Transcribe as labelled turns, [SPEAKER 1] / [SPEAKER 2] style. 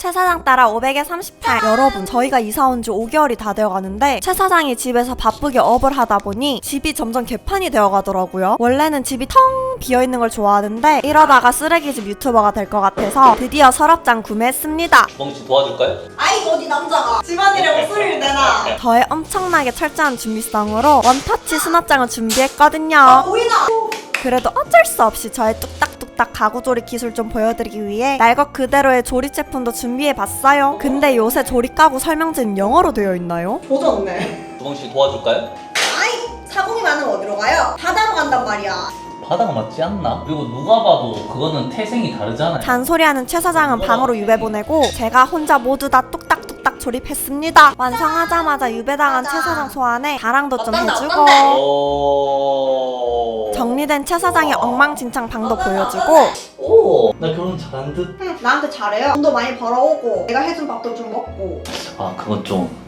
[SPEAKER 1] 최 사장 따라 500에 38. 여러분, 저희가 이사 온 지 5개월이 다 되어가는데 최 사장이 집에서 바쁘게 업을 하다 보니 집이 점점 개판이 되어가더라고요. 원래는 집이 텅 비어있는 걸 좋아하는데 이러다가 쓰레기집 유튜버가 될 것 같아서 드디어 서랍장 구매했습니다.
[SPEAKER 2] 주방씨 도와줄까요?
[SPEAKER 3] 아이고 어디 남자가 집안일에 목소리를 내나.
[SPEAKER 1] 저의 엄청나게 철저한 준비성으로 원터치 수납장을 준비했거든요.
[SPEAKER 3] 보이나?
[SPEAKER 1] 그래도 어쩔 수 없이 저의 뚝딱뚝딱 가구조리 기술 좀 보여드리기 위해 날 것 그대로의 조립 제품도 준비해봤어요. 근데 요새 조립 가구 설명지는 영어로 되어 있나요?
[SPEAKER 3] 조졌네.
[SPEAKER 2] 주방씨 도와줄까요?
[SPEAKER 3] 아이 사공이 많으면 어디로 가요? 바다로 간단 말이야.
[SPEAKER 2] 바다가 맞지 않나? 그리고 누가 봐도 그거는 태생이 다르잖아요.
[SPEAKER 1] 잔소리하는 최 사장은 방으로 유배 보내고 제가 혼자 모두 다 뚝딱뚝딱 조립했습니다. 완성하자마자 유배당한 최 사장 소환에 자랑도 좀 해주고 정리된 최 사장의 엉망진창 방도 보여주고
[SPEAKER 2] 오, 나 결혼 잘한 듯?
[SPEAKER 3] 나한테 잘해요. 돈도 많이 벌어오고 내가 해준 밥도 좀 먹고.
[SPEAKER 2] 아, 그건 좀